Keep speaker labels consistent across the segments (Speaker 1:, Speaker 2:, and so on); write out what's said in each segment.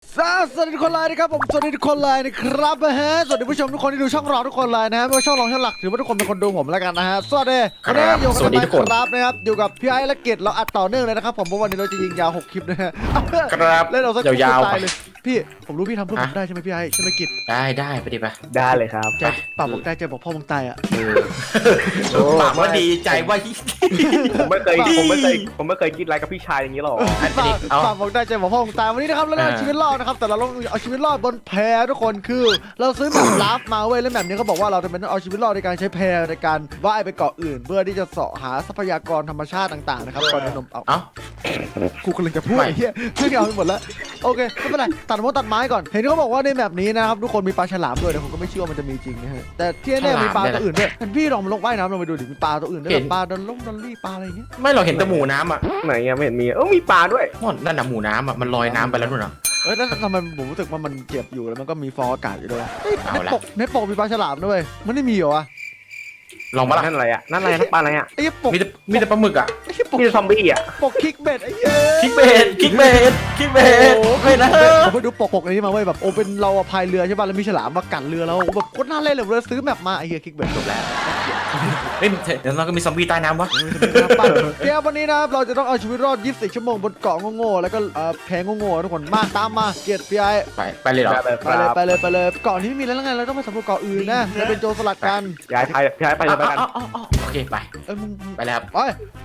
Speaker 1: สวัสดีทุกคนเลยนะครับผมสวัสดีทุกคนเลยนะครับสวัสดีผู้ชมทุกคนที่ดูช่องเราทุกคนเลยนะฮะไม่ว่าช่องรองช่องหลักถือว่าทุกคนเป็นคนดูผมแล้วกันนะฮะสวัสดีวันนี้อยู่กับพี่ครับนะครับอยู่กับพี่ไอ้และเกดเราอัดต่อเนื่องเลยนะครับผมเพราะวันนี้เราจะยิงยาว6คลิปนะฮะ
Speaker 2: ครับ
Speaker 1: เล่นเราสัก
Speaker 2: ยาวๆ
Speaker 1: ตายเลยพี่ผมรู้พี่ทำเพื่อผมได้ใช่ไหมพี่ไอ้ใช่ไหมกิจ
Speaker 2: ได้ไปดิไป
Speaker 3: ได้เลยครับ
Speaker 1: ใจปากบอกได้ใจบอกพ่อมึงตายอ่ะ
Speaker 2: ปากว่าดีใจว่า
Speaker 3: ผมไม่เคยคิดอะไรกับพี่ชายอย่างนี้หรอก
Speaker 1: ปากบอกได้ใจบอกพ่อมึงตายวันนี้นะครับเราเอาชีวิตรอดนะครับแต่เราต้องเอาชีวิตรอดบนแพทุกคนคือเราซื้อแบบลับมาเว้ยแล้วแบบนี้เขาบอกว่าเราจะเป็นเอาชีวิตรอดในการใช้แพในการว่ายไปเกาะอื่น เพื่อที่จะเสาะหาทรัพยากรธรรมชาติต่างๆนะครับก่อนจะนมเอากูกำลังจะพูดไอ้เหี้ยเพื่อนเอาไปหมดแล้วโอเคไม่เป็นไรตัดไม้ก่อนเห็นเขาบอกว่าในแบบนี้นะครับทุกคนมีปลาฉลามด้วยแต่ผมก็ไม่เชื่อมันจะมีจริงนะฮะแต่ที่แน่มีปลาตัวอื่นด้วยพี่ลองลงว่ายน้ำลงไปดูดิมีปลาตัวอื่นด้วยปลาดอลลี่ปลาอะไรอย่างเงี้ย
Speaker 2: ไม่เราเห็นแต่หมูน้ำอ่ะ
Speaker 3: ไหนยังไม่เห็นมีมีปลาด้วย
Speaker 2: นั่นน่ะหมูน้ำอ่ะมันลอยน้ำไปแล้วนู่นน่ะ
Speaker 1: แล้วทำไมผมรู้สึกว่ามันเจ็บอยู่แล้วมันก็มีฟองอากาศอยู่ด้วย
Speaker 2: เอาละ
Speaker 1: ในปกมีปลาฉลามด้วยมันไม่มีเหรอวะ
Speaker 2: ลองมาละ
Speaker 3: นั่นอะไรอ่ะนั่นปลาอะไรอ่ะ
Speaker 1: ไอ้ปก
Speaker 2: มีแต่ปลาหมึกอ่ะ
Speaker 1: ไอ้ปก
Speaker 3: มีซอมบี้อ่ะ
Speaker 1: ปกคิกเบ็ดไอ้เหี้ย
Speaker 2: คิกเบสไม่นะ
Speaker 1: ผมไปดูปกอันนี้มาเว้ยแบบโอเป็นเราพายเรือใช่ป่ะแล้วมีฉลามมากัดเรือเราแบบโคตรน่าเล่นเลยเราซื้อแมปมาไอ้เหี้ยคิกเบ็ดจบแล้ว
Speaker 2: เฮ้ยเดี๋ยวเราก็มีซอมบี้ใต้น้ำวะ
Speaker 1: เดี๋ยววันนี้นะครับเราจะต้องเอาชีวิตรอด24ชั่วโมงบนเกาะโง่ๆแล้วก็แพงโง่ๆทุกคนมาตามมาเกียรติพี่ไอ้
Speaker 2: ไปเลยเหรอ
Speaker 1: ไปเลยเกาะนี้ไม่มีแล้วไงเราต้องไปสำรวจเกาะอื่นนะเราเป็นโจรสลัดกัน
Speaker 3: ย้ายไปเลยไปกัน
Speaker 2: โอเคไป
Speaker 1: มึง
Speaker 2: ไปแล้วครับ
Speaker 1: ไป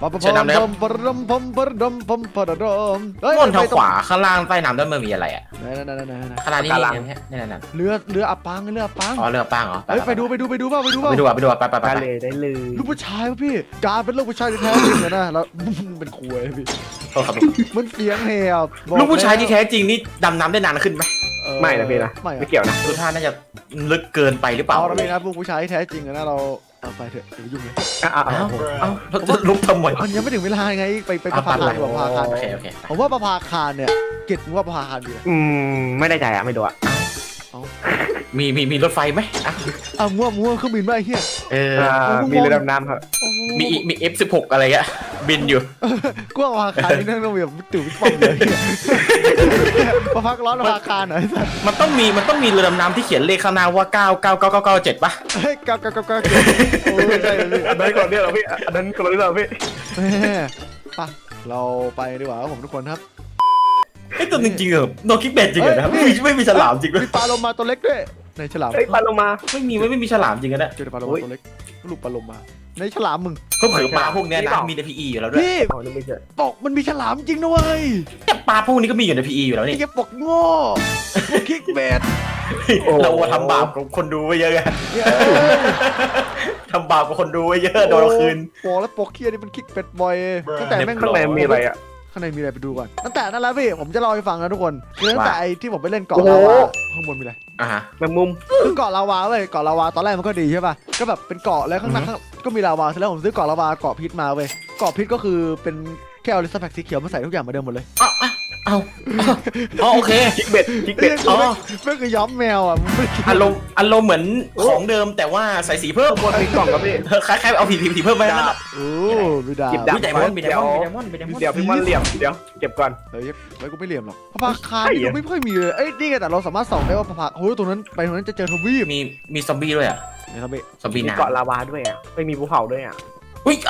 Speaker 2: ม่อนทางขวาข้างล่างใต้น้ำด้านมันมีอะไรอ่ะ
Speaker 1: นั่น
Speaker 2: ข้างล่างนี่นั่น
Speaker 1: เรืออับปางเรืออับปาง
Speaker 2: อ๋อเรือปังเหรอ
Speaker 1: เฮ้ยไปดูเปล่า
Speaker 2: ไปดูไป
Speaker 3: ได้เลยได้เลย
Speaker 1: ลูกผู้ชายป่ะพี่การเป็นลูกผู้ชายที่แท้จริงนะแล้วเป็นคุยพี่มันเสียงแหบ
Speaker 2: ลูกผู้ชายที่แท้จริงนี่ดำน้ำได้นานขึ้นไหม
Speaker 3: ไม่นะพี่นะไม่เกี่ยวนะ
Speaker 2: ดูท่าน่าจะลึกเกินไปหรือเปล่า
Speaker 1: เอาละพี่นะลูกผู้ชายที่แท้จริงนะเราไปเถอะอย่ายุ่งเลย
Speaker 2: เราจะลุกทำไม
Speaker 1: มันยังไม่ถึงเวลาไงไปประภาคารประภาคาร
Speaker 2: โอเค
Speaker 1: ผมว่าประภาคารเนี่ยเก็ตว่าประภาคารดี
Speaker 3: ไม่ได้ใจอ่ะไม่ดูอ่ะ
Speaker 2: มีรถไฟไหม
Speaker 1: มั่วเครื่องบินไม่เฮีย
Speaker 3: มีเรือดำน้ำครับ
Speaker 2: มี F16 อะไรอ่ะบินอยู่
Speaker 1: กว่าประภาคารนี่นั่งต้องแบบตื่นวิปปอมเลยประภาคร้อนประภาคารหน่อยสัส
Speaker 2: มันต้องมีเรือดำน้ำที่เขียนเลขข้างหน้าว่า99997ป่ะ
Speaker 1: เฮ้ยกับโอ้ใช่เลยพี่
Speaker 3: อันนั้นคนเดียวเหรอพี่อันนั้นคนละเรื่องพี่
Speaker 1: ไปเราไปดีกว่าครับผมทุกคนครับ
Speaker 2: ไอ้ตัวจริงๆเหรอโนคิกเบตจริงเหรอนะไม่มีฉลามจริงด้วย
Speaker 1: มีปลาโลมาตัวเล็กด้วยในฉลาม
Speaker 3: ปลาโลมา
Speaker 2: ไม่มีฉลามจริงกันนะ
Speaker 1: เจอปลาโลมาตัวเล็กลูกปลาโลมาในฉลามมึง
Speaker 2: เขาเผือปลาพวกนี้นะมีใน PE อยู่แล้วด้วย
Speaker 1: พี่
Speaker 3: อ๋อนี่ไม่ใช่
Speaker 1: ปกมันมีฉลามจริงนะเว้ย
Speaker 2: ปลาพวกนี้ก็มีอยู่ใน PE อยู่แล้ว
Speaker 1: ไอ้
Speaker 2: นี่
Speaker 1: แกปกโง่คิกเบด
Speaker 2: เราทำบาปกับคนดูไว้เยอะไงทำบาปกับคนดูไว้เยอะโดนเราคืน
Speaker 1: โอ้แล้วปกเคียนี่มันคิกเป็ดบ่อยตั้งแต่แม่ง
Speaker 3: ข้างในมีอะไรอ่ะ
Speaker 1: ข้างในมีอะไรไปดูก่อนตั้งแต่นั่นแหละพี่ผมจะเล่าให้ฟังนะทุกคนคือตั้งแต่ไอ้ที่ผมไปเล่นเกาะลาวาข้างบนมีอะไร
Speaker 3: แมงมุม
Speaker 1: คือเกาะลาวาเว้ยเกาะลาวาตอนแรกมันก็ดีใช่ป่ะก็แบบเป็นเกาะแล้วข้างหน้าก็มีลาวาเสร็จแล้วผมซื้อเกาะลาวาเกาะพิษมาเว้ยเกาะพิษก็คือเป็นแค่เอาลิสต์แพ็กสีเขียวมาใส่ทุกอย่างเหมือนเดิมหมดเลย
Speaker 2: อ๋อโอเค
Speaker 3: คิกเบ็ด
Speaker 1: ไม่คือย้อมแมวอ่ะ
Speaker 2: อารมณ์เหมือนของเดิมแต่ว่าใส่สีเพิ่ม
Speaker 3: บนมีกล่องครับพี่
Speaker 2: คล้ายๆเอาผีเพิ่มไปนั่นแหละ
Speaker 1: โอ้มีดาบ
Speaker 3: จิบดาบ
Speaker 2: มีไดมอนด์
Speaker 3: เดี๋ยวพี่มันเหลี่ยมเดี๋ยวเก็บก่อน
Speaker 1: เฮ้ยไม่กูไม่เหลี่ยมหรอกพระพาคารนี่ไม่ค่อยมีเลยเอ้ยนี่ไงแต่เราสามารถส่องได้ว่าพระพาโอ้ยตรงนั้นไปตรงนั้นจะเจอทวีป
Speaker 2: มีซอมบี้ด้วยอ่ะ
Speaker 1: นะครับพี่
Speaker 2: ซอมบี้
Speaker 3: มี
Speaker 2: น้ำ
Speaker 3: เกาะลาวาด้วยอ่ะไม่มีภูเขาด้วยอ่ะ
Speaker 2: อุ้ย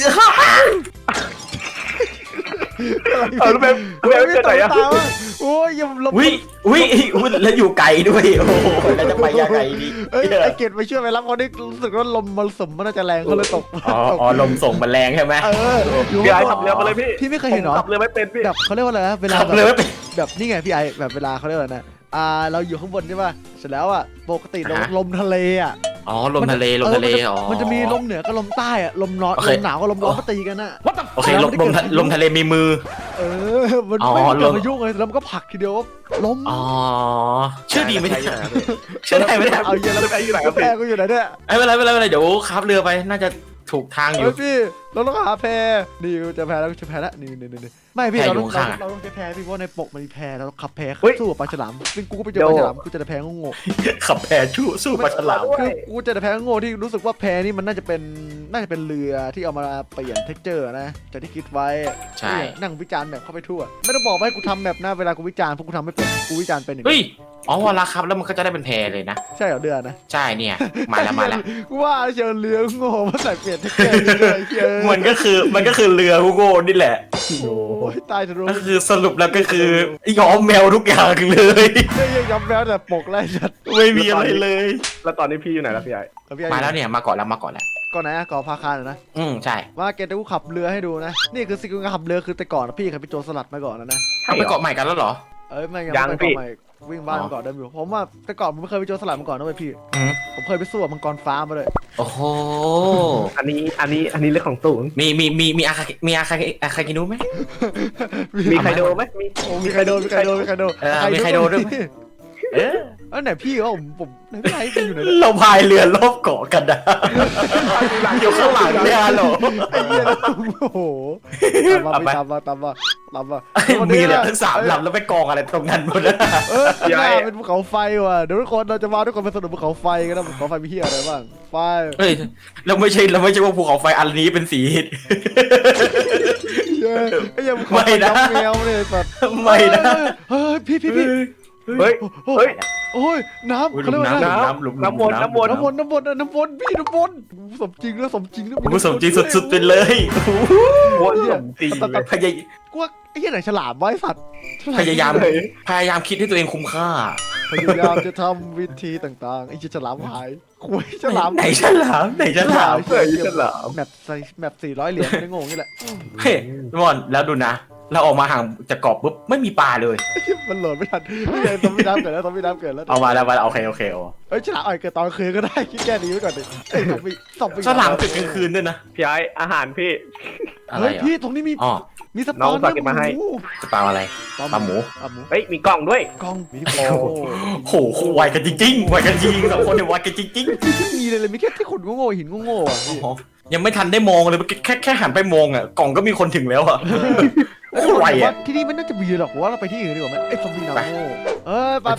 Speaker 3: แล้วแบบเกิดอะไรอ่ะ
Speaker 1: โอ้ยยังลบ
Speaker 2: อุ้ยแล้วอยู่ไกลด้วยโอ้โหแล้วจะไปยังไงดี
Speaker 1: เอ้ยไอเกดไปช่วยไปรับเขาดิรู้สึกว่าลมมรสุมมันน่าจะแรงเขาเลยตก
Speaker 2: อ๋อลมส่งมันแรงใช่ไหม
Speaker 3: พี่ไอ้ขับเรือมาเลยพี่
Speaker 1: พี่ไม่เคยเห็นหรอ
Speaker 3: ขับเรือไม่เป็นพี่
Speaker 1: แบบเขาเรียกว่าอะไรนะเวลา
Speaker 2: ขับเลยไม่เป็น
Speaker 1: แบบนี่ไงพี่ไอแบบเวลาเขาเรียกว่านะเราอยู่ข้างบนใช่ป่ะเสร็จแล้วอ่ะปกติลมทะเลอ่ะ
Speaker 2: อ๋อลมทะเลอ๋อ
Speaker 1: มันจะมีลมเหนือกับลมใต้อ่ะลมร้อนลมหนาวกับลมร้อนมาตีกันอ่ะ
Speaker 2: โอเคลมทะเลมีมือ
Speaker 1: มันไม่เกิดพายุเลยแล้วมันก็ผลักทีเดียวล้ม
Speaker 2: อ๋อชื่อดีไม่ได้ชื่อได้ไม่ได้
Speaker 1: เอาเย็นแล้ว
Speaker 3: ไปอยู่ไหนครับ
Speaker 1: แพกูอยู่ไหนเนี่ย
Speaker 2: ไม่เป็นไรเดี๋ยวขับเรือไปน่าจะถูกทางอยู่
Speaker 1: พี่เราต้องหาแพนี่จะแพแล้วนี่ไม่พี่
Speaker 2: แพ
Speaker 1: เรา
Speaker 2: อยู่
Speaker 1: ต้อง
Speaker 2: ข้างๆอะ
Speaker 1: เราต้องใช้แพพี่เพราะในปกมันมีแพเราขับแพ
Speaker 3: เฮ้ย
Speaker 1: สู้กับปลาฉลามซึ่งกูก็ไปเจอปลาฉลามกูเจอแต่แพงง
Speaker 2: ขับแพสู้ปลาฉลาม
Speaker 1: คือกูเจอแต่แพงงที่รู้สึกว่าแพนี่มันน่าจะเป็นเรือที่เอามาเปลี่ยนเท็กเจอร์นะจากที่คิดไว้
Speaker 2: ใช่
Speaker 1: นั่งวิจารณ์แบบเข้าไปทั่วไม่ต้องบอกว่าให้กูทำแบบหน้าเวลากูวิจารณ์พวกกูทำไม่เป็นกูวิจารณ์เป็นอย่าง
Speaker 2: เฮ้ย
Speaker 1: นี้
Speaker 2: อ๋อเวลาครับแล้วมันก็จะได้เป็นแพเลยนะ
Speaker 1: ใช่เหรอเดือนนะ
Speaker 2: ใช่เนี่ยมาแล้วมาแล้ว
Speaker 1: กูว่าเชียวเรือโง่มาใส่เปลี่ยนเท็กเจอร์เลยเชียว
Speaker 2: มันก็คือเรือฮูโก้นี่แหละ
Speaker 1: โอ้ยตายจะรู้
Speaker 2: ก็คือสรุปแล้วก็คือยอมแมวทุกอย่างเลย
Speaker 1: ไม่ยังยอมแพ้แต่ปกไล่ชัด
Speaker 2: ไม่มีอะไรเลย
Speaker 3: แล้วตอนนี้พี่อยู่ไหนแล้วพี่ไอ้
Speaker 2: มาแล้วเนี่ยมาก่อนแล้ว
Speaker 1: ก่อนไหนอะก่อนพาคารนะ
Speaker 2: ใช่
Speaker 1: ว่าเกตกูขับเรือให้ดูนะนี่คือสิ่งที่ขับเรือคือแต่ก่อนนะพี่เคยไปโจรสลัดมาก่อนนะ
Speaker 2: เอาไปเกาะใหม่กันแล้วเหรอ
Speaker 1: เอ้ยไม่ยังไม่ไปเกาะใหม่วิ่งบ้านมาก่อนเดิมอยู่ผมว่าแต่ก่อนผมไม่เคยไปโจรสลัดมาก่อนนะเว้ยพี่
Speaker 2: อืม
Speaker 1: ผมเคยไปสู้กับมังกรฟ้ามาเลย
Speaker 2: โอ้โห
Speaker 3: อันนี้เรื่องของสูง
Speaker 2: มีอาคากินุไหม
Speaker 3: มีใครโดนไหมมี
Speaker 1: โอ้มีใครโดน
Speaker 2: มีใครโดนด้วยไหม เออ
Speaker 1: เอ้ยไหนพี่วะผมไหนพี่ไอ้เป็นอยู่ไหน
Speaker 2: เราพายเรือรอบเกาะกันนะอยู่ข้างหลังเนี่ยเหรอ
Speaker 1: ไอ้เหี้ยแล้วโอ้โหตามมา
Speaker 2: มีเหลือทั้ง3 ลำแล้วไปกองอะไรตรงนั้นหมดนะ
Speaker 1: เออข้างหน้าเป็นภูเขาไฟว่ะเดี๋ยวทุกคนเราจะมาทุกคนไปสนุกภูเขาไฟกันนะภูเขาไฟมีเหี้ยอะไรบ้างไฟ
Speaker 2: เฮ้ยเราไม่ใช่ว่าภูเขาไฟอันนี้เป็นสี
Speaker 1: ไอ้ยังไม่นะแมวเลยสัตว์
Speaker 2: ไม่นะ
Speaker 1: เฮ้ยพี่
Speaker 3: เฮ้ยเฮ้ย
Speaker 1: โอ้ยน้ำเขาเรียกว่า
Speaker 3: น้ำวน
Speaker 1: น้ำวนพี่น้ำวนสมจริงแล้วสมจริงแล้ว
Speaker 2: ผมสมจริงสุดๆไปเลย
Speaker 3: วนสมจริงเลย
Speaker 1: กูว่าไอ้เหี้ยไหนฉลามไว้สัตว์
Speaker 2: พยายามคิดให้ตัวเองคุ้มค่า
Speaker 1: พยายามจะทำวิธีต่างๆไอ้เหี้ยฉลามหายคุยฉลาม
Speaker 2: ไหนฉลาม
Speaker 3: เฮ้ยฉลาม
Speaker 1: แมป400 เหรียญไม่ได้งงนี่แหละ
Speaker 2: เฮ้ยมอนแล้วดูนะ เราออกมาห่างจากเกาะปุ๊บไม่มีปลาเลย
Speaker 1: มันโหลดไม่ทันนี่ไงซอมบี้น้ำเกิดแล้วซอมบี้น้ำเกิดแล้ว
Speaker 2: เอามาแล้วโอเคโอ้
Speaker 1: เอ้ยฉลามอ่อยเกิดตอนคืนก็ได้คิดแค่นี้ไว้ก่อนดิไอ้ซอมบี้
Speaker 2: ฉลามตื่นกลางคืนด้วยนะ
Speaker 3: พี่ไอ้อาหารพี่
Speaker 2: อะไร
Speaker 1: เฮ้ย
Speaker 2: อ่ะ
Speaker 1: พี่ตรงนี้มี
Speaker 2: อ๋อ
Speaker 1: มีสป
Speaker 3: น้
Speaker 1: อ
Speaker 3: อง
Speaker 1: น
Speaker 3: ฝากเก็บมาให้
Speaker 2: จะปลาอะไร ปลาหมู
Speaker 3: เฮ้ยมีกล่องด้วย
Speaker 1: กล้องมีโ
Speaker 2: โหไวกันจริงๆไวกันจริง2 คนเนี่ยไวกันจริง
Speaker 1: ไม่มีเลยมีแค่ที่ขุดโง่ๆหินโง่ๆอ่ะ
Speaker 2: ๆโอ้โหยังไม่ทันได้มองเลยแค่หันไปมองอ่ะกล่องก็มีคนถึงแล้วอ่ะ โคตรไวอ่ะ
Speaker 1: ที่นี่มันน่าจะมีหรอกว่าเราไปที่อื่นดีกว่าไหมไอ้ซอมบี้น้ำโง่ไป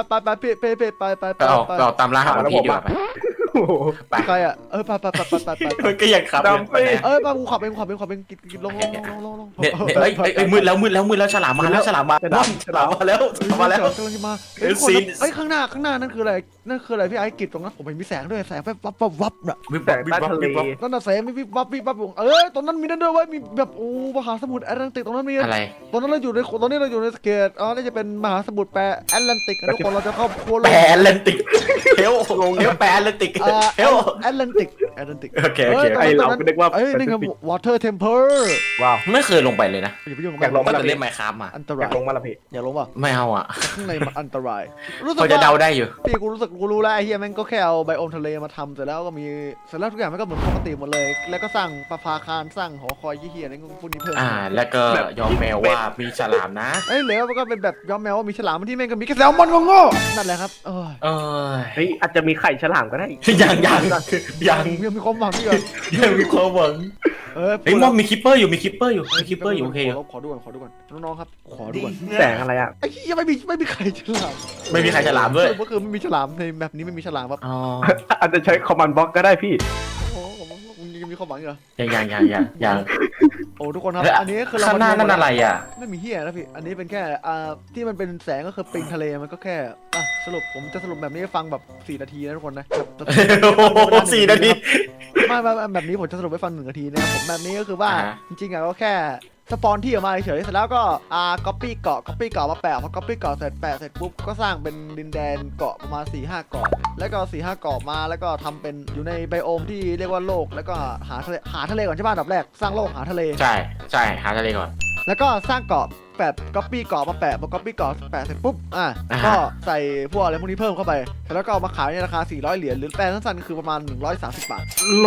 Speaker 2: เราตามล่าหาพี่ดีกว่าไป
Speaker 3: โอ้โห
Speaker 2: ไป
Speaker 1: ใครอ่ะไป
Speaker 2: มันก็ยังขับ
Speaker 3: ดำไป
Speaker 1: ป้ากูขับเองกินลง
Speaker 2: เนี่ยเอ้ยมืดแล้วฉลามมาแล้วฉลามมาแล้ว
Speaker 1: กำลังจะมาเฮ้ยข้างหน้านั่นคืออะไรพี่ไอ้กิจตรงนั้นผมเห็นมีแสงด้วยแสงวับน่ะ
Speaker 2: วิบ
Speaker 3: แต่ใต้ทะเล
Speaker 1: นั่นน่ะแสงมีวับตรงนั้นมีนั่นด้วยว่ามีแบบโอ้มหาสมุทรแอตแลนติกตรงนั้นมี
Speaker 2: อะไร
Speaker 1: ตอนนี้เราอยู่ในสเกตน่าจะเป็นมหาสมุทรแปรแอตแลนติกทุกคนเราจะเข้าโคโล
Speaker 2: แปรแอตแลนติกเฮลแปรแอตแลนติกเฮล
Speaker 1: แอตแลนติก
Speaker 2: โอเค
Speaker 3: ไอเราก็นึกว่า
Speaker 1: เอ้ยนี่ไง water temple
Speaker 3: ว้าว
Speaker 2: ไม่เคยลงไปเลยนะ
Speaker 1: อย่าไปยุ่งกับ
Speaker 3: อยากล
Speaker 1: มั
Speaker 3: ง
Speaker 1: น
Speaker 2: ตั้งแต่เล่นไมค์ครับมา
Speaker 1: อันต
Speaker 3: อ
Speaker 1: าย
Speaker 3: รากลงมาละพี่
Speaker 1: อย่าลงว่ะ
Speaker 2: ไม่เอาอ่ะ
Speaker 1: ข้างในมันอันตรายรู้สึก
Speaker 2: พอจะเดาได้อยู่
Speaker 1: พี่กูรู้แล้วไอ้เฮียแม่งก็แค่เอาไบโอมทะเลมาทำเสร็จแล้วก็มีเสร็จแล้วทุกอย่างมันก็เหมือนปกติหมดเลย แล้วก็สร้างประภาคารสร้างหอคอยเฮียอะไรพวกนี้เพิ่ม
Speaker 2: แล้วก็ยอมแมวว่ามีฉลามนะ
Speaker 1: เอ้ยเหลือมันก็เป็นแบบย้อมแมวว่ามีฉลามที่แม่งก็มีแค่แซลมอนโง่ๆนั่นแหละครับ
Speaker 2: เออ
Speaker 3: เฮ้ยอาจจะมีไข่ฉลามก็ได้
Speaker 2: ยัง
Speaker 1: มีความหวังที่ก่อน
Speaker 2: ยังมีความหวังเฮ้ยมอมมีคิปเปอร์อยู่โอเคอยู่ โอเคอยู่
Speaker 1: ขอดูก่อนน้องๆครับขอดูก่อน
Speaker 3: แสงอะไรอ่ะ
Speaker 1: ไอ้เหี้ยไม่มีใครฉลาม
Speaker 2: ไม่มีใครฉลามด้วย
Speaker 1: ก็คือไม่มีฉลามในแบบนี้ไม่มีฉลามครับ
Speaker 2: อ๋อ
Speaker 3: อาจจะใช้คอมมานด์บล็อกก็ได้พี่
Speaker 1: โอ้มึงยังมีความหวังเหรอ
Speaker 2: ยัง
Speaker 1: โอ้ทุกคนครับอันนี้คือเรา
Speaker 2: ข้างหน้านั่นอะไรอ่ะ
Speaker 1: ไม่มีเหี้ยนะพี่อันนี้เป็นแค่ที่มันเป็นแสงก็คือปิงทะเลมันก็แค่สรุปผมจะสรุปแบบนี้ให้ฟังแบบ4 นาทีนะทุกคนนะ
Speaker 2: 4 นาที
Speaker 1: ไม่แบบนี้ผมจะสรุปให้ฟัง1 นาทีนะครับผมแบบนี้ก็คือว่าจริงๆก็แค่สปอนที่ออกมาเฉยเสร็จแล้วก็copy เกาะมาแปะพอ copy เกาะเสร็จแปะเสร็จปุ๊บก็สร้างเป็นดินแดนเกาะประมาณ 4-5 เกาะแล้วก็ 4-5 เกาะมาแล้วก็ทำเป็นอยู่ในไบโอมที่เรียกว่าโลกแล้วก็หาทะเลก่อนใช่ป่ะอันดับแรกสร้างโลกหาทะเล
Speaker 2: ใช่หาทะเลก่อน
Speaker 1: แล้วก็สร้างเกาะcopy เกาะมาแปะพอ copy เกาะแปะเสร็จปุ๊บก็ใส่พวกอะไรพวกนี้เพิ่มเข้าไปแล้วก็เอามาขายในราคา400 เหรียญหรือแปลสั้นๆคือประมาณ130 บาท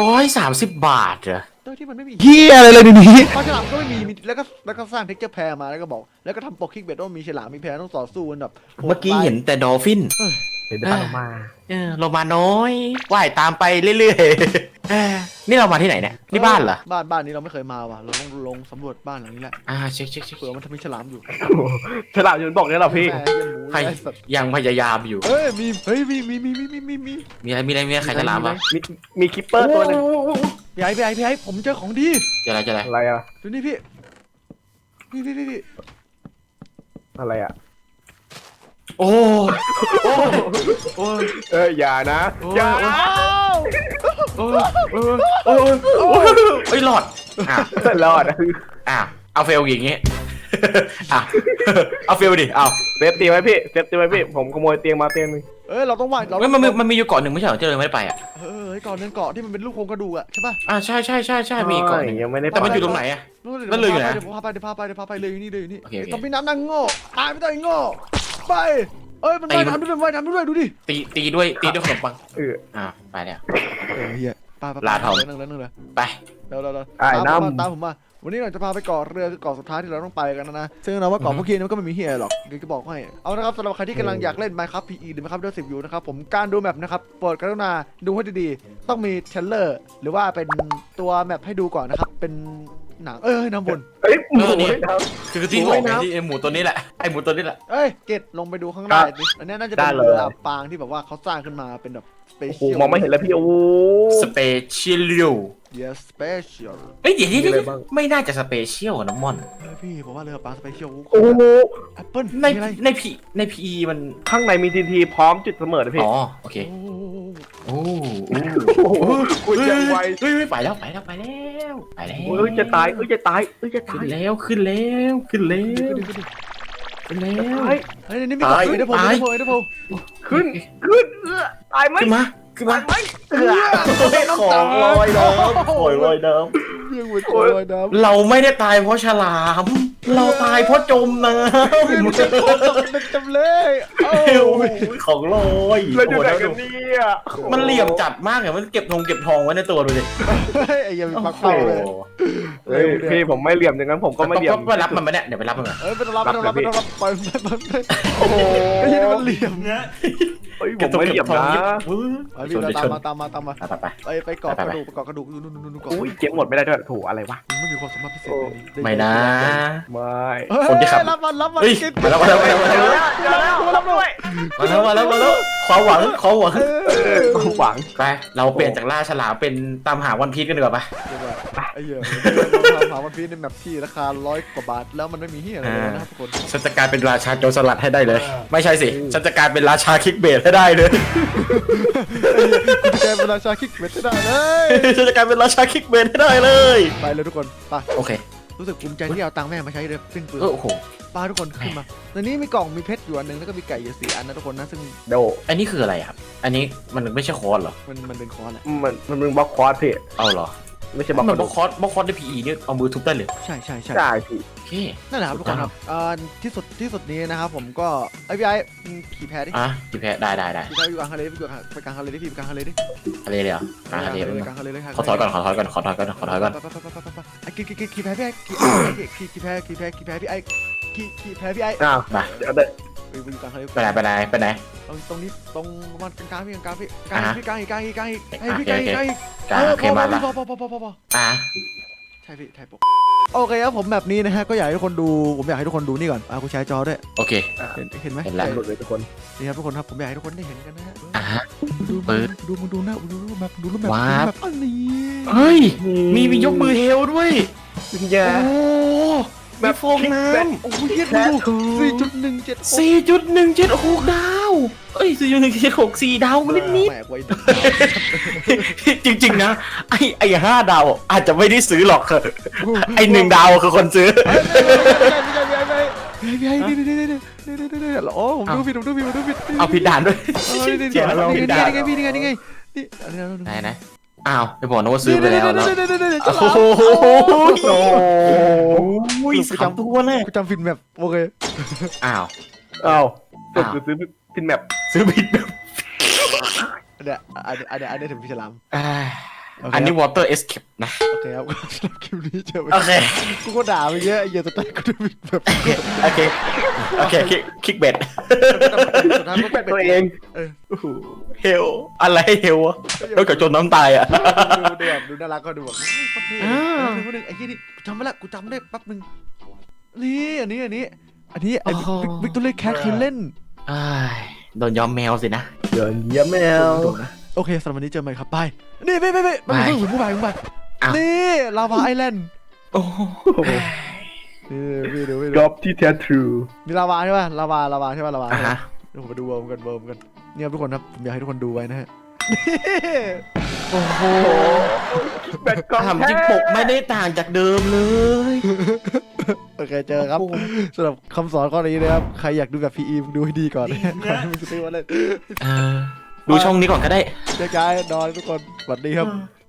Speaker 2: 130 บาทเหรอ
Speaker 1: โดยที่มันไม่มีเฮียอะไรเลยในนี้ปลาฉลามก็ไม่มีแล้วก็สร้างเท็กเจอร์แพรมาแล้วก็บอกแล้วก็ทำปกคิกเบ็ดว่ามีฉลามมีแพรต้องต่อสู้กันแบบ
Speaker 2: เมื่อกี้เห็นแต่ดอลฟิน
Speaker 1: เ
Speaker 3: เดินออกมา
Speaker 2: เรามาน้อยว่ายตามไปเรื่อยๆนี่เรามาที่ไหนเนี่ยนี่บ้านเหรอ
Speaker 1: บ้านนี้เราไม่เคยมาว่ะเราต้องลงสำรวจบ้านหลังนี้แหละ
Speaker 2: เช็ค
Speaker 1: เผื่อมันทำมีฉลามอยู่
Speaker 3: ฉลาดจนบอกเนี่ยเหรอพี่
Speaker 1: แม่เหี้ยหมู
Speaker 2: ใคร
Speaker 1: ไอ้สัตว์
Speaker 2: ยังพยายามอยู่
Speaker 1: เฮ้ยมี
Speaker 2: มีอะไรใครจะลามวะ
Speaker 3: มีคิปเปอร์ตัวหนึง
Speaker 1: พี่ไอ้ผมเจอของดี
Speaker 2: เจออะไร
Speaker 3: อะไรอะ
Speaker 1: ดูนี่พี่พี่
Speaker 3: อะไรอะ
Speaker 2: โอ้โอ้
Speaker 3: อย่านะอย่า
Speaker 2: โอ้เอ้ยหลอดอ่ะ
Speaker 3: รอด
Speaker 2: เอาเฟลอย่างงี้เอาเฟลดิเอา
Speaker 3: เซฟตีไว้พี่เซฟตีไว้พี่ผมขโมยเตียงมาเตียงนึง
Speaker 1: เราต้องไหวเรา
Speaker 2: มันมีอยู่เกาะหนึ่งไม่ใช่เหรอเจอไม่ได้ไปอ่ะ
Speaker 1: ก่อนเดินเกาะที่มันเป็นรูปโครงกระดูกอะใช่ป่ะ
Speaker 2: ใช่มีเกาะหนึ่ง
Speaker 3: ยังไม่ได้
Speaker 2: แต่มันอยู่ตรงไหนอ่ะ นั่นเลยอยู่ไหน
Speaker 1: เดี๋ยวพาไปเลยอยู่นี่
Speaker 2: โอเค
Speaker 1: ต้องพี่น้ำนางโง่ตายไม่ต้องไอ้โง่ไปมันว่ายน้ำด้วยดูดิ
Speaker 2: ตีด้วยขนมปัง ไปแล้ว
Speaker 1: เฮียไป
Speaker 2: ลาทอง
Speaker 1: นั่งเลย
Speaker 2: ไป
Speaker 1: เร็ว
Speaker 3: น้ำ
Speaker 1: ตามผมมาวันนี้เราจะพาไปเกาะเรือคือเกาะสุดท้ายที่เราต้องไปกันนะซึ่งเราว่าเกาะพวกนี้มันก็ไม่มีเฮียหรอกเดี๋ยวจะบอกให้เอานะครับสำหรับใครที่กำลังอยากเล่น Minecraft PE หรือ Minecraft 10อยู่นะครับผมการดูแมปนะครับโปรดกรุณาดูให้ดีๆต้องมีเทรลเลอร์หรือว่าเป็นตัวแมปให้ดูก่อนนะครับเป็นหนังน้ำบน
Speaker 3: เฮ้ยหมู
Speaker 2: นี่
Speaker 3: ไม่ท
Speaker 2: คือที่บอกไงที่ไอหมูตัวนี้แหละไอหมูตัวนี้แหละ
Speaker 1: เกตลงไปดูข้างหน้าดิอันนี้น่าจะเป็นเรือปางที่แบบว่าเขาสร้างขึ้นมาเป็นแบบสเป
Speaker 3: ำโอ้โห
Speaker 1: เชียล
Speaker 3: มองไม่เห็นแล้วพี่โอ้
Speaker 2: สเปเชียล
Speaker 1: yes special
Speaker 2: เดี๋ยวไม่น่าจะสเปเชียลน้ำมอน
Speaker 1: พี่ผมว่าเรือปางสเปเชียล
Speaker 3: โอ้โห
Speaker 1: แอปเปิ้ล
Speaker 2: ในพีมัน
Speaker 3: ข้างในมีทีทีพร้อมจุดเสมอนะพี่
Speaker 2: โอเค
Speaker 3: โอ้โหคุยยังไว
Speaker 2: ไปแล้ว
Speaker 3: จะตายจะตาย
Speaker 2: ขึ้นแล้วเฮ้ย
Speaker 1: นี่มีกล่องเดี๋ยวผม
Speaker 3: ขึ้นตายไหม
Speaker 2: ขึ้นมา
Speaker 3: ของลอยน้ำ
Speaker 1: เพียงหัวใจลอยน้ำ
Speaker 2: เราไม่ได้ตายเพราะฉลาม เราตายเพราะจมน้ำ
Speaker 1: มันจะโคตรเป็นจำเลย
Speaker 2: ของลอย
Speaker 3: เราอยู่ไหนกันเนี่ย
Speaker 2: มันเหลี่ยมจัดมากเลยมันเก็บทองไว้ในตัวดูดิ
Speaker 1: ไอ้ยังมีปลักเป้าเลย
Speaker 3: พี่ผมไม่เหลี่ยมอย่างนั้นผมก็ไม่เหลี่ยม
Speaker 2: ไปรับมันมาเนี่ยเดี๋ยวไปรับมันมา
Speaker 1: ไปรับปล่อยโอ้โหไม่ใช่มันเหลี่ยมนะ
Speaker 3: ผมไม่เหลี่ยมนะ
Speaker 1: พี่ตามมาไปเกาะกระดูกนู่นเกาะ
Speaker 3: อุ้ยเก็บหมดไม่ได้ด้วยถูอะไรวะ
Speaker 1: ไม่มีความสามารถพิเศษเลยนี่
Speaker 2: ไม่นะ
Speaker 3: ไม่
Speaker 2: คนที่ขับ
Speaker 1: รับมัน
Speaker 2: มาแล้วความหวัง
Speaker 3: หวัง
Speaker 2: ไปเราเปลี่ยนจากล่าฉลามเป็นตามหาวันพีชกันดีกว่าปะ
Speaker 1: ไอ้เหี้ยหาวันพีชในแมปที่ราคา100 กว่าบาทแล้วมันไม่มีเหี้ยอะไรเลยนะครับทุกคน
Speaker 2: ฉันจะกลายเป็นราชาโจรสลัดให้ได้เลย ไม่ใช่สิฉันจะกลายเป็นราชาคิกเบสให้ได้เลย
Speaker 1: คุณแกเป็นราชาคิกเบ็ดได้เลย
Speaker 2: ฉันจะกลายเป็นราชาคิกเบสให้ได้เลย
Speaker 1: ไปเลยทุกคนไป
Speaker 2: โอเค
Speaker 1: รู้สึกภูมิใจที่เอาตังค์แม่มาใช้เลยสิ้นเปลือง
Speaker 2: โอ้โห
Speaker 1: ป้าทุกคนขึ้นมาในนี้มีกล่องมีเพชรอยู่อันนึงแล้วก็มีไก่อยู่4 อันนะทุกคนนะซึ่ง
Speaker 3: โด
Speaker 2: อันนี้คืออะไรครับอันนี้มันไม่ใช่คอร์สเหรอ
Speaker 1: มันเป็นคอร์สแหละ
Speaker 3: มันมึงบล็อกคอร์สพี่
Speaker 2: เอาเหรอ
Speaker 3: ไม่ใช่บล็อก
Speaker 2: มันบล็อกคอร์สในพีอีเนี่ยเอามือทุบได้เลย
Speaker 1: ใช่
Speaker 3: ได้พี่
Speaker 2: โอเค
Speaker 1: นั่นแหละครับทุกคนครับที่สุดนี้นะครับผมก็ไอพี่ไอ้ขี่แพดิ
Speaker 2: กี่แพ้ได้
Speaker 1: ขี่แพอยู่กลางทะเลไปกลางทะเลดิพี่ไปกลางทะเลดิ
Speaker 2: อะไรเลยเหรออะไรเลย
Speaker 1: กลางทะเลเลย
Speaker 2: ขอถอยก่อน
Speaker 1: ไอ้ขี่แพพี่ไอ้ขี่แพพี่ไอ้ขี่แพพี่ไอ้
Speaker 3: อ้าว
Speaker 2: มา
Speaker 3: เดี๋ยวเดี๋ยว
Speaker 1: ไปอยู่กลางทะเล
Speaker 2: ไปไหน
Speaker 1: ตรงนี้ตรงมันกลางพี่กลางอีก
Speaker 2: โอเคมาละ
Speaker 1: พอใช่พี่ถ่ายปกโอเคครับผมแบบนี้นะฮะก็อยากให้ทุกคนดูผมอยากให้ทุกคนดูนี่ก่อนกูแชร์จอด้วย
Speaker 2: โอเค
Speaker 1: เห็นไหม
Speaker 2: เห็นแล้ว
Speaker 3: หลุดเลยทุกคน
Speaker 1: นี่ครับทุกคนครับผมอยากให้ทุกคนได้เห็นกันนะฮะ
Speaker 2: ปึ๊บ
Speaker 1: ดูนะดูรูปแบบ
Speaker 2: ว้า
Speaker 1: แบบอันนี้
Speaker 2: เฮ้ยมียกมือเฮลด้วย
Speaker 3: วิญญา
Speaker 2: โอ้มีฟองน้
Speaker 1: โอ้ยเย็ดดู4.176
Speaker 2: 4.17 6 ดาวเอ้ย 4.176 4 ดาวนิด
Speaker 1: แหมไว้
Speaker 2: จริงๆนะไอ้5 ดาวอาจจะไม่ได้ซื้อหรอกไอ้1 ดาวคือคนซื้อ
Speaker 1: พี่ไอ้นี่โอ้ผมดูผิด
Speaker 2: เอาผิดด่านด้วย
Speaker 1: นี่ไง
Speaker 2: ไหนอ้าวไปบอกนะว่าซื้อไปแล้วแล้วโอ้โห3 ตัวเลย
Speaker 1: กูจำผิดแบบโอเค
Speaker 2: อ้าว
Speaker 3: สุดซื้อพินแมป
Speaker 2: ซื้อผิดแบบ
Speaker 1: อันนี้ถึงพี่ฉลาม
Speaker 2: อันนี้ water escape นะ
Speaker 1: โอเคครับสำหรับคลิปนี้เจอไป
Speaker 2: โอเค
Speaker 1: กูก็ด่าไปเยอะไอ้เหี้ยสุดท้ายกูจะมีแบบ
Speaker 2: โอเคโอเคคลิกเบ็ด
Speaker 1: สุดท้ายมันก็
Speaker 3: ตัวเอง
Speaker 1: เออ
Speaker 2: เฮลอะไรเฮลวะนอกจากจนน้ำตายอ่ะ
Speaker 1: ดูน่ารักก็ดูแบบโคตรเท่
Speaker 2: อ่า
Speaker 1: นึงไอ้ที่นี่กูจำไม่ละกูจำได้แป๊บนึงนี่อันนี้ไอ้วิกตอเรียแคทเคยเล่น
Speaker 2: อ้ายโดนยอมแมวสินะ
Speaker 3: เดินเยี่ยมแมว
Speaker 1: โอเคสำหรับวันนี้เจอกันใหม่ครับไปนี่ไปมันมีผู้ไปนี่ลาวาไอแลนด์
Speaker 2: โอ้โห
Speaker 1: พี่ดู
Speaker 3: จอบที่แท้ทรู
Speaker 1: มีลาวาใช่ป่ะลาวาใช่ป่ะลาวา
Speaker 2: อ่ะฮะ
Speaker 1: เดี๋ยวผมไปดูเวิร์มกันเนี่ยทุกคนครับผมอยากให้ทุกคนดูไว้นะฮะ
Speaker 2: โอ้โห
Speaker 3: แบตกอง
Speaker 2: ถามจริงปกไม่ได้ต่างจากเดิมเลย
Speaker 1: โอเคเจอครับสำหรับคำสอนข้อนี้นะครับใครอยากดูแบบ PE ดูให้ดีก่อนก่อนที่มึงจะซื้อมาเล่น
Speaker 2: ดูช่องนี้ก่อนก็ได้
Speaker 1: เจอกันนอนทุกคนสวัสดีครับ